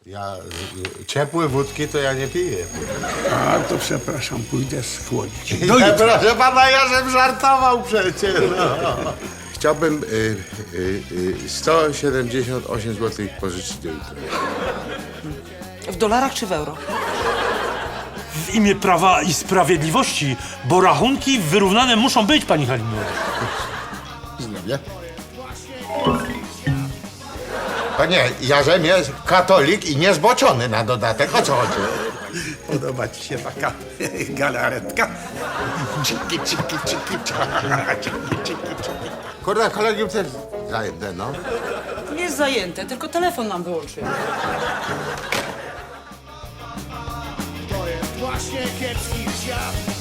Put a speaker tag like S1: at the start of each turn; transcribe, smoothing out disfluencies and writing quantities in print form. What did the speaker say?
S1: Ja ciepłe wódki to ja nie piję.
S2: A to przepraszam, pójdę schłodzić.
S1: Ja, proszę pana, ja żem żartował przecież. No.
S3: Chciałbym 178 zł pożyczyć do jutra.
S4: W dolarach czy w euro?
S5: W imię Prawa i Sprawiedliwości, bo rachunki wyrównane muszą być, pani Halino.
S3: Zdrowie.
S1: Panie, ja żem jest katolik i niezboczony na dodatek. O co chodzi?
S2: Podoba ci się taka galaretka?
S1: Ciki, ciki, ciki, ciki. Kurde, kolegium też zajęte, no.
S4: Jest zajęte, tylko telefon nam wyłączył.
S6: To jest właśnie kiepski świat.